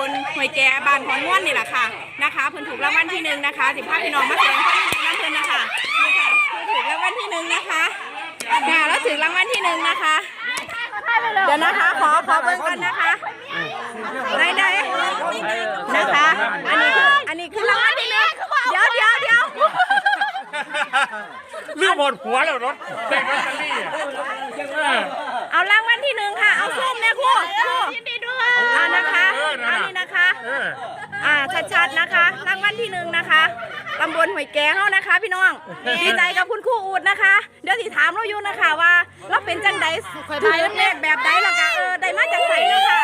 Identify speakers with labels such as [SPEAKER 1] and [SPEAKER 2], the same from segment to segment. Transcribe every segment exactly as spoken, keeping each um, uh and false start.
[SPEAKER 1] ลห้วยแก่บ้านของม่วนนี่แหละค่ะนะคะเพิ่นถูกรางวัลที่หนึ่งนะคะสิบห้าพี่น้องมาแสดงความยินดีกับเพิ่นนะคะนี่ค่ะถูกรางวัลที่หนึ่งนะคะค่ะแล้วถึงรางวัลที่หนึ่งนะคะเดี๋ยวนะคะขอขอเบิ่งกันนะคะได้ได้นะคะอันนี้คืออันนี้คือรางวัลที่หนึ่งเดี๋ยวเดี๋ยวเดี๋ยว
[SPEAKER 2] เรื่องหมดหัวแล้วรถเด็กรถคันนี้
[SPEAKER 1] เอารางวัลที่หนึ่งค่ะเอาส้มเนี่ยครูครูยินดีด้วยอ่านะคะอันนี้นะคะอ่าชัดๆนะคะรางวัลที่หนึ่งนะคะตำบลห้วยแก่เฮานะคะพี่น้องดีใจกับคุณครูอูดนะคะเดี๋ยวสิถามเราอยู่นะคะว่าเราเป็นจังใดถือเลขแบบใดล่ะคะเออได้มาจากไหนนะคะ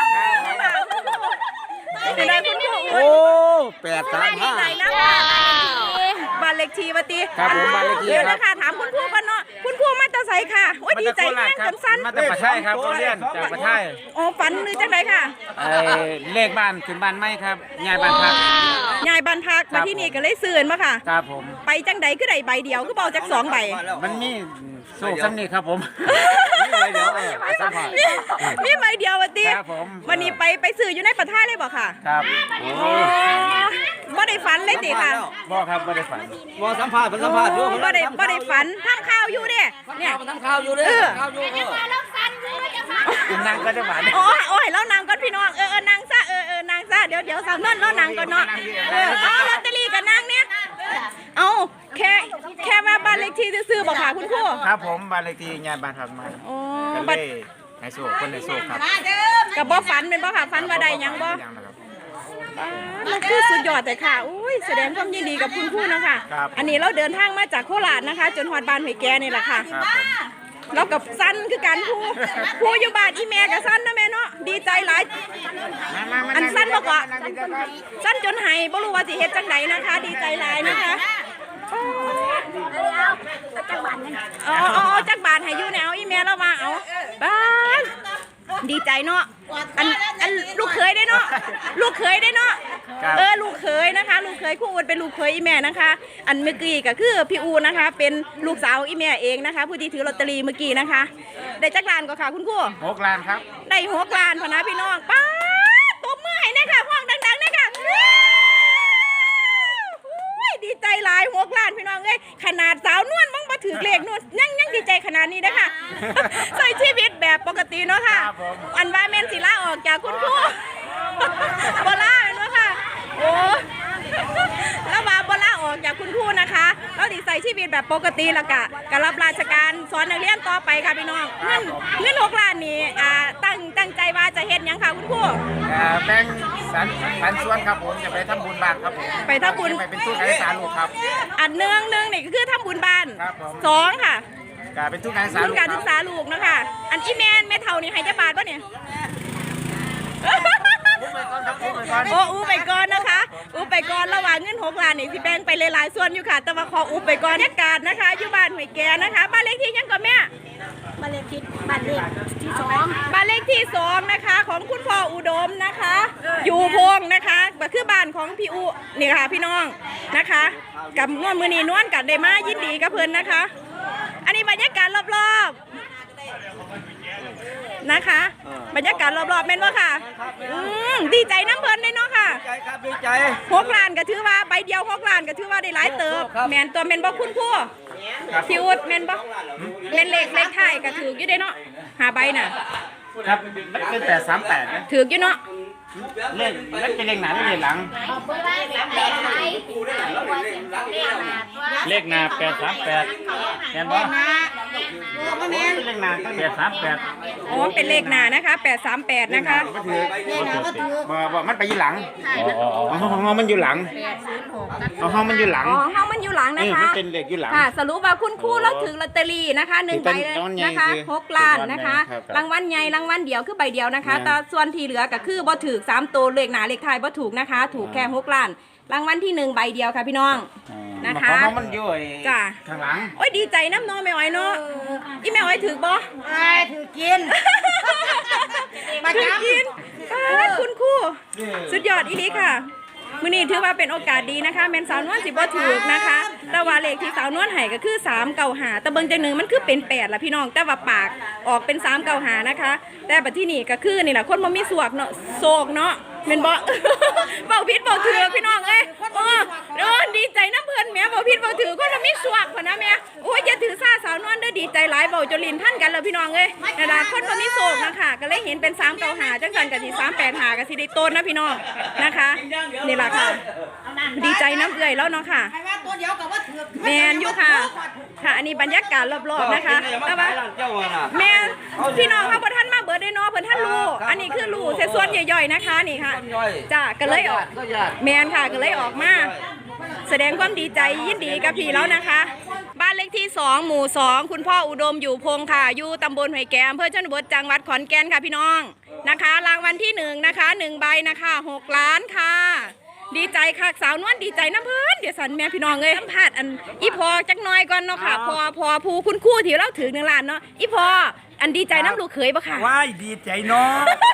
[SPEAKER 1] เป็นไงคุณครูอูด
[SPEAKER 3] โอ้แปดสาม
[SPEAKER 1] ดี
[SPEAKER 3] ห้า
[SPEAKER 1] ใจนะคะบ้านเลขที่วัตี
[SPEAKER 3] ครับผมบ้านเลขที่
[SPEAKER 1] เดี๋ยว
[SPEAKER 3] ครับ
[SPEAKER 1] นะคะถามคุณครูกันเนาะคุณครูมาจากไสค่ะโอ้ยดีใจแม่งจนสั้น
[SPEAKER 2] มาจากประเทศครับเขาเรียนจากประเทศ
[SPEAKER 1] อ๋อฝันหรือจังใดค่ะ
[SPEAKER 2] ไอ้เลขบ้านขึ้นบ้านไม่ครับยายบ้านพัก
[SPEAKER 1] ยายบ้านพักมาที่นี่ก็เลยซื้อมาค่ะ
[SPEAKER 2] ครับผม
[SPEAKER 1] ไปจังใดคือได้ใบเดียวคือเบาจากสองใบ
[SPEAKER 2] มันมีโศกสำนีครับผม
[SPEAKER 3] เดี๋ยวเออสัมผัส
[SPEAKER 1] มีมีใบเดียววัตี
[SPEAKER 2] ครับผม
[SPEAKER 1] วันนี้ไปไปซื้ออยู่ในประเทศเลยบ่ค่ะ
[SPEAKER 2] ครับ
[SPEAKER 1] อ๋อบ่ได้ฝันเลยติค่ะ
[SPEAKER 2] บ่ครับไม่ได้ฝัน
[SPEAKER 3] มอสัมผัสเป็นสัมผัสอยู่
[SPEAKER 1] บ่ได้บ่ได้ฝันทำข่าวอยู่เด้เนี่ย
[SPEAKER 3] ทำข่าวอยู่เลยข่าวอยู่
[SPEAKER 2] คุณนั่งก็จะหวาน
[SPEAKER 1] โอ้ยโอ้ยแล้วนางก่อนพี่น้องเออเออนางซะเออเออนางซะเดี๋ยวเดี๋ยวสาวนั่นแล้วนางก่อนเนาะเออเอาลอตเตอรี่กับนางเนี่ยเอาแค่แค่ว่าบ้านเลขที่ซื้อๆบ่ค่ะคุณครู
[SPEAKER 2] ครับผมบ้านเลขที่ยายบ้านพักมา
[SPEAKER 1] อ๋อ
[SPEAKER 2] ก็
[SPEAKER 1] บั
[SPEAKER 2] เล
[SPEAKER 1] ด
[SPEAKER 2] ยให้โศกคนในโศกครับ
[SPEAKER 1] กับบ่ฝันเป็นบ่ค่ะฝันว่าใดหยังบ่
[SPEAKER 2] ยังนะครับ
[SPEAKER 1] มันคือสุดยอดแต่ค่ะอุ้ยแสดงความยินดีกับคุณครูนะคะ
[SPEAKER 2] ครับ
[SPEAKER 1] อันนี้เราเดินทางมาจากโคราชนะคะ จนฮอดบ้านห้วยแก่นี่แหละค่ะ
[SPEAKER 2] ครับผม
[SPEAKER 1] เรากับสั้นคือกันครูครูอยู่บ้านอีแม่กับสั้นนะแม่เนาะดีใจหลายอันสั้นบ่กว่าสั้นจนไห้บ่รู้ว่าสิเฮ็ดจังไดนะคะ ดีใจหลายนะคะอ๋ออ๋อจักบาทให้อยู่เนี่ยเอาอีแม่เรามาเอาบ้านดีใจเนาะอันอันลูกเคยได้เนาะลูกเคยได้เนาะเออลูกเคยนะคะ ลูกเคยครูอูดเป็นลูกเคยอีแม่นะคะ อันเมื่อกี้ก็คือพี่อูนะคะ เป็นลูกสาวอีแม่เองนะคะผู้ที่ถือลอตเตอรี่เมื่อกี้นะคะ ได้จักรานก็ค่ะคุณครู
[SPEAKER 2] หกล้านครับ
[SPEAKER 1] ได้หกล้านพอนะพี่น้องป้าตบมือให้นะคะห้องดังๆนะคะดีใจหลายหกล้านพี่น้องเอ้ยขนาดสาวนวลมั่งมาถือเลขนวลยังยังดีใจขนาดนี้นะคะใช้ชีวิตแบบปกติเนาะค่ะอันว่าเมนศิลาออกจากคุณครูบลาเนาะค่ะโอ้แล้วว่าบลาออกจากคุณครูนะคะเราดีใส่ชีวิตแบบปกติแล้วก็กรับราชการสอนนักเรียนต่อไปค่ะพี่น้องเงินเงินหกล้านนี้อ่าตั้งตั้งใจว่าจะเฮ็ดยังค่ะคุณครู
[SPEAKER 2] แบ่งสันสันส่วนครับผมจะไปทำบุญบ้านครับผม
[SPEAKER 1] ไปทำบุญ
[SPEAKER 2] ไปเป็นทุนการศึกษาลูกครับ
[SPEAKER 1] อันเนืองหนึ่งนี่ก็คือทำบุญบ้าน
[SPEAKER 2] ครับผม
[SPEAKER 1] สองค่ะ
[SPEAKER 2] การเป็นทุนการศึกษา
[SPEAKER 1] ทุน
[SPEAKER 2] ลูก
[SPEAKER 1] การ
[SPEAKER 2] ค
[SPEAKER 1] ศึ
[SPEAKER 2] รับ
[SPEAKER 1] กษาลูกเนาะคะอันอีแมนแม่เท่านี่ให้จะบาทป่ะเนี่ยโอ้อู้ไปก่อนนะคะอู้ไปก่อนระหว่างเงินหกล้านนี่สิแบ่งไปหลายๆส่วนอยู่ค่ะแต่ว่าขออู้ไปก่อนบรรยากาศนะคะอยู่บ้านห้วยแก่นะคะบ้านเลขที่ยังก่อนแม่
[SPEAKER 4] บ้านเลขที่บ้านเลขที่สอง
[SPEAKER 1] บ้านเลขที่สองนะคะของคุณพ่ออุดมนะคะ อยู่พงนะคะก็คือบ้านของพี่อุนี่ค่ะพี่น้องนะคะกับนวลมือนีนวลกับเดมายินดีกับเพิ่นนะคะ อันนี้บรรยากาศรอบๆนะคะ บรรยากาศรอบๆแม่นว่าค่ะอืมดีใจน้ำเพิ่นเลยเนาะค่ะ
[SPEAKER 3] ใจครับดีใจ
[SPEAKER 1] หกล้านก็ถือว่าใบเดียวหกล้านก็ถือว่าได้หลายเติบแมนตัวแมนบ่คุณครูพี่อุดแมนบ่แมนเลขเลขไทายก็ถืออยู่ได้เนาะหาใบน่ะ
[SPEAKER 2] ครับมันเป็นแปดสามแปดนะ
[SPEAKER 1] ถืออยู่เนาะ
[SPEAKER 2] เลขเลขเป็นเลขหนาเลขหลัง เลขหนาแปดสามแปดเห็นบ่เป็นเลขหนาแปดสามแปด
[SPEAKER 1] อ๋อเป็นเลขหนานะคะแปดสามแปดนะคะ
[SPEAKER 2] ก็ถือบ่บ่มันไปอยู่หลังอ๋อห้องมันอยู่หลังอ๋อห้องมันอยู่หลัง
[SPEAKER 1] อ๋อเฮามันอยู่หลังนะ
[SPEAKER 2] นี่
[SPEAKER 1] คะ
[SPEAKER 2] มันเป็นเลขอยู่หลัง
[SPEAKER 1] ค่ะสรุปว่าคุณครูเราถือลอตเตอรี่นะคะหนึ่งใบเลยนะคะหกล้านนะคะรางวัลใหญ่รางวัลเดียวคือใบเดียวนะคะแต่ส่วนที่เหลือก็คือบ่ถือสามตัวเลขหนาเลขท้ายบ่ถูกนะคะ ถูกแค่หกล้านรางวัลที่หนึ่งใบเดียวค่ะพี่น้องนะคะ
[SPEAKER 2] ห้องมันอยู่
[SPEAKER 1] จ้ะ
[SPEAKER 2] ข้างหลัง
[SPEAKER 1] โอ้ยดีใจน้ำน้องแม่อ้อยเนาะอีแม่อ้อยถือบ่
[SPEAKER 4] ไอ้ถือกิน
[SPEAKER 1] ถือกินคุณครูสุดยอดอีหลีค่ะมื้อนี้ถือว่าเป็นโอกาสดีนะคะแม่นสาวนวลสิบ่ถูกนะคะแต่ว่าเลขที่สาวนวลให้ก็คือสามเก้าห้าแต่เบิ่งจังหนึงมันคือเป็นแปดล่ะพี่น้องแต่ว่าปากออกเป็นสามเก้าห้านะคะแต่บัดที่นี่ก็คือนี่ล่ะคนบ่มีสวกเนาะโศกเนาะแม่นบ่ เบาผิดเบาถือพี่น้องเอ้ยเออเออดีใจน้ำเพิ่นแหม่เบาผิดเบาถือคนละมีสวกพุ่นนะแม่โอ้ยอย่าถือซาสาวนวลเด้อดีใจหลายเบาจนลิ้นพันกันแล้วพี่น้องเอ้ยนั่นล่ะคนบ่มีโศกนะคะก็เลยเห็นเป็นสามเก้าห้าจังซั่นก็สิสามแปดห้าก็สิได้ต้นนะพี่น้องนะคะนี่ล่ะค่ะดีใจน้ำเอื้อยแล้วเนาะค่ะ
[SPEAKER 4] ใครว่าตัวเดียวกับว่าถือ
[SPEAKER 1] แมนอยู่ค่ะค่ะอันนี้บรรยากาศรอบๆนะคะแต่ว่า
[SPEAKER 3] เจ้าน่ะ
[SPEAKER 1] แม่พี่น้องเขาบ่ทันมาเบิดได้เนาะเพิ่นท่านรู้อันนี้คือรู้เศษส่วนย่อยๆนะคะนี่ค่ะจ้าก็เลยออก
[SPEAKER 3] ก็ญาติ
[SPEAKER 1] แมนค่ะก็เลยออกมาแสดงความดีใจยินดีกับพี่แล้วนะคะ บ้านเลขที่สองหมู่สองคุณพ่ออุดมอยู่พงค่ะอยู่ตำบลห้วยแก้มอำเภอชนบทจังหวัดขอนแก่นค่ะพี่น้องนะคะรางวัลที่หนึ่งนะคะหนึ่งใบนะคะหกล้านค่ะดีใจค่ะสาวนวลดีใจน้ำเพิ่นเดี๋ยวสันแม่พี่น้องเลยสัมผัสอันอีพอจักหน้อยก่อนเนาะค่ะพอพอผู้คุณครู่ที่เราถือหนึ่งล้านเนาะอีพออันดีใจน้ำลูกเขยปะค่ะ
[SPEAKER 5] ว้ายดีใจเนาะ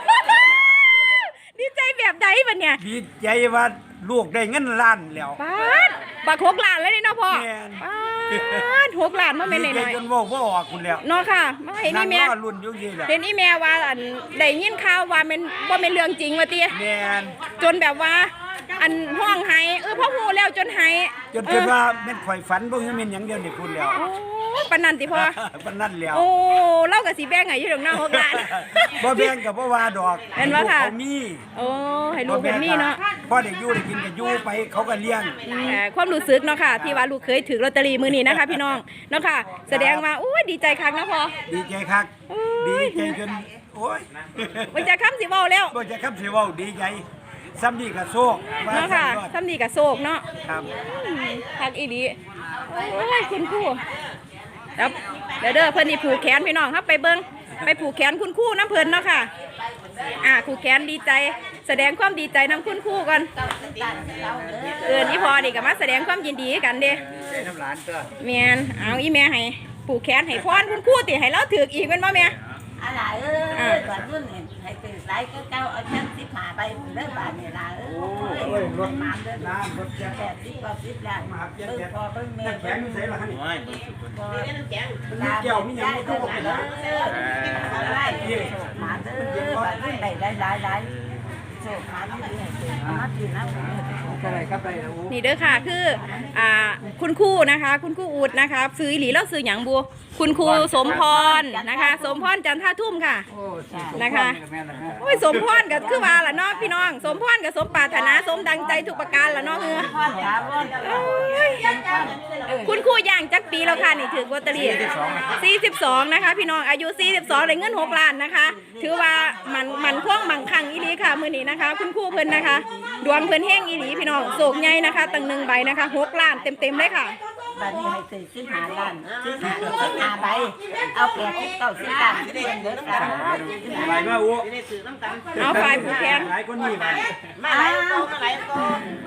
[SPEAKER 1] ดีใจแบบใดบัดเนี่ย
[SPEAKER 5] ดีใจว่าลูกได้เงินล้านแล้ว
[SPEAKER 1] ป้าดบักหกล้านแล้วนี่เนาะพ่อ
[SPEAKER 5] แม่น
[SPEAKER 1] ป้าดหกล้านมาเป็นห
[SPEAKER 5] ดีใจ
[SPEAKER 1] น่อย
[SPEAKER 5] จนว่าว่าออกคุณแล้ว
[SPEAKER 1] ๆเนาะค่ะมาเห็น
[SPEAKER 5] นั่
[SPEAKER 1] นี่
[SPEAKER 5] ง
[SPEAKER 1] แม่
[SPEAKER 5] รอรุ่นอยู่ยี่แหละ
[SPEAKER 1] เห็นอีแม่ว่าอันได้ยินข่าวว่าเป็นว่าเป็นเรื่องจริงว่าติ
[SPEAKER 5] แม่น
[SPEAKER 1] จนแบบว่า อันห้องไห้เออพ่อฮู้แล้วจนไห้
[SPEAKER 5] จนคิดว่าแม่นข่อยฝันบ่คือแม่นหยังเดียวนี่คุณแล้ว
[SPEAKER 1] โอ้ยปานนันติพ่อ
[SPEAKER 5] ปานนั้นแล้ว
[SPEAKER 1] โอ้เล่ากับสีแบงไงอยู่ตรงหน้าหกล้าน
[SPEAKER 5] บ่แบ่งกับบ่ว่าดอก
[SPEAKER 1] เห็นบ่ค่ะ
[SPEAKER 5] เขามี
[SPEAKER 1] โอ้ให้ลูกเป็นนี่เนาะ
[SPEAKER 5] พ่อได้อยู่ได้กินก็อยู่ไปเขาก็เลี้ยง
[SPEAKER 1] แต่ความรู้สึกเนาะค่ะ ที่ว่าลูกเคยถือลอตเตอรี่มือนี้นะคะ พี่น้องเนาะค่ะ แสดงว่าโอ้ยดีใจคักนะพ่อ
[SPEAKER 5] ดีใจคัก
[SPEAKER 1] โอ้
[SPEAKER 5] ดี
[SPEAKER 1] ย
[SPEAKER 5] ใจจนโอ้ย
[SPEAKER 1] มันจะค้ำสิเว้าแล้ว
[SPEAKER 5] บ่จะคำสิเว้าดีใจซ้ำนี่ก็โชคว่า
[SPEAKER 1] เนาะค่ะ
[SPEAKER 5] ซ้ำรอด
[SPEAKER 1] ทำดีกับโศกเนาะ
[SPEAKER 5] ครับ
[SPEAKER 1] อืมคักอีดีโอ้ยคุณครูแล้วเดี๋ยวเด้อเพิ่นนี่ผูกแขนพี่น้องครับไปเบิ่งไปผูกแขนคุณครูน้ำเพิ่นเนาะค่ะ อ่าผูกแขนดีใจ แสดงความดีใจน้ำคุณครูกันเอินอีพอดีกับมาแสดงความยินดีกันเด้
[SPEAKER 5] น้ำหลานตัว
[SPEAKER 1] เมียนเอาอีแม่ให้ผูกแขนให้พรคุณครูติให้เราถืออีกเป็นบ่แม่
[SPEAKER 4] อะไรเอ้ยก่อนรุ่นเนี่ยให้ตื่นสายก็เก้าเอาชั้นสิบหาไปเลิกบาทเนี่ยละเอ้ยรถน้ำเลิกน้ำรถแปดสิบกว่าสิบล้านเพิ่งพอเพิ่งเมย์
[SPEAKER 5] แข็งใส่ละนี่
[SPEAKER 4] พอเกี่ยวมีอย่างนี้ก็บอกแล้วไล่หมาเด้อบาทรุ่นใดได้หลายหลายโชคหมาที่ดีให้ตื่นมาตื่นน้ำ
[SPEAKER 5] อะไรครับไป
[SPEAKER 1] นี่เด้อค่ะคืออ่าคุณครูนะคะ คุณครูอูดนะคะซื้ออีหลีแล้วซื้อหยังบัวคุณครูสมพรนะคะ สมพรจันท่าทุ่มค่ะ นะคะโอ้ยสมพรก็คือว่าล่ะเนาะพี่น้องสมพรกับสมปรารถนาสมดังใจทุกประการล่ะเนาะเฮือโอ้ยคุณครูย่างจักปีแล้วค่ะนี่ถือลอตเตอรี่สี่สิบสองนะคะพี่น้องอายุสี่สิบสองได้เงินหกล้านนะคะ ถือว่ามันมันคล่องบังคังอีหลีค่ะมื้อนี้นะคะ คุณครูเพิ่นนะคะ ดวงเพิ่นแห้งอีหลีพี่น้องโศกใหญ่นะคะตั้งหนึ่งใบนะคะหกล้านเต็มๆเลยค่ะ
[SPEAKER 4] บัดนี้ให้ตื่นสิบห้าล้านสิบห้าสิบห้าใบเอาแปดสิบเก้าสิบล้านเดือนเดือนละ
[SPEAKER 5] อะไรมาอู้
[SPEAKER 1] เอาฝ่ายผูกแขน
[SPEAKER 5] หลายคนนี่ไป
[SPEAKER 4] มาไหลโตมาไหลโต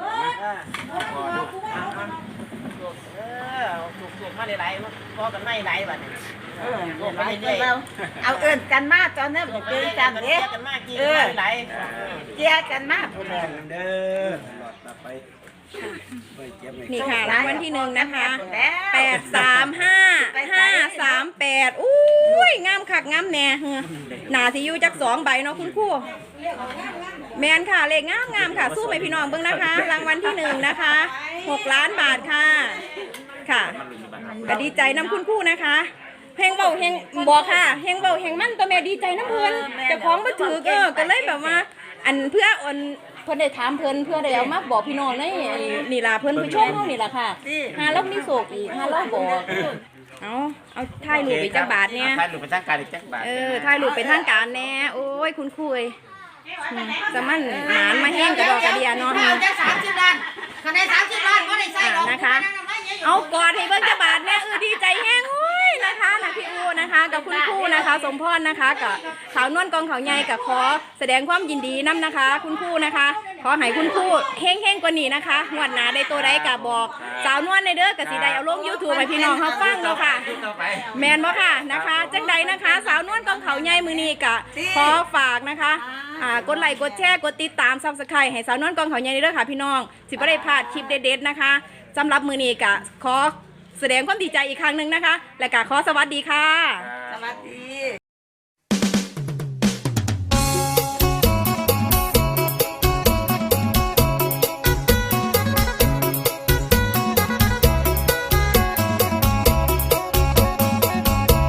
[SPEAKER 6] พอกันไม่ไหลบัดนี้
[SPEAKER 4] เออไหลเราเอาเอิ้นกันมาตอนนี้เจอกันเด้
[SPEAKER 6] กันมากกี่
[SPEAKER 4] เออ
[SPEAKER 6] ไหล
[SPEAKER 4] เจียกันมาพุ่นแหละ
[SPEAKER 5] เด้อหลอดต่อไปไปเก็บไว้
[SPEAKER 1] นี่ค่ะรางวัลที่หนึ่งนะคะแปดสามห้าห้าสามแปดอุ้ยงามคักงามแน่เฮือหนาสิอยู่จักสองใบเนาะคุณครูแมนค่ะเลขงามงามค่ะ สู้ไหมพี่น้องเบิ่งนะคะ รางวัลที่หนึ่งนะคะหกล้านบาทค่ะค่ะก็ดีใจน้ำคุณครูนะคะเฮงเบาเฮงบอกค่ะเฮงเบาเฮงมั่นตัวแม่ดีใจน้ำเพิ่นแต่ของมาถือเออก็เลยแบบว่า อันเพื่ออ่อนเพิ่นได้ถามเพิ่นเพื่อได้เอามาบอกพี่น้องในไอ้นี่ล่ะเพิ่นผู้ชมเฮานี่ล่ะค่ะหาเรามีโศกอีกหาเราบอกเอาเอาถ่ายรูปไปจักบาทเนี่ย
[SPEAKER 2] ถ่ายรูปเป็นทางการอีกจักบาท
[SPEAKER 1] เออถ่ายรูปเป็นทางการแน่โอ้ยคุณคุยจะมันหมานมาแห้งกระดอกกระเดียเนาะ
[SPEAKER 4] เอาจะสามสิบล้านคะแนนสามสิบล้านก็ได้ใส่หรอก
[SPEAKER 1] นะคะ เอากอดให้เบิ่งจักบาทเนี่ยเออดีใจแห้งโอ้ยนะคะนะพี่อูนะคะ กับคุณครูนะคะ สมพรนะคะกับสาวนวลกองเขาใหญ่กับขอแสดงความยินดีนํนะคะ คุณครูนะคะ ขอให้คุณครูเฮงๆกว่านี้นะคะงวดหน้าได้ตัวใดก็บอก สาวนวลในเด้อกับสีใดเอาลง YouTube ให้พี่น้องเฮาฟังเนาะค่ะ แมนบ่ค่ะนะคะจังใดนะคะ สาวนวลกองเขาใหญ่มือนี้กะขอฝากนะคะอ่ากดไลค์กดแชร์กดติดตามซับสไครต์ให้สาวนวลกองเขาใหญ่เด้อค่ะพี่น้องสิบ่ได้พลาดคลิปเด็ดๆนะคะสำหรับมือนี้กะขอแสดงความดีใจอีกครั้งหนึ่งนะคะและกะขอสวัสดีค่ะ
[SPEAKER 4] สวัสดี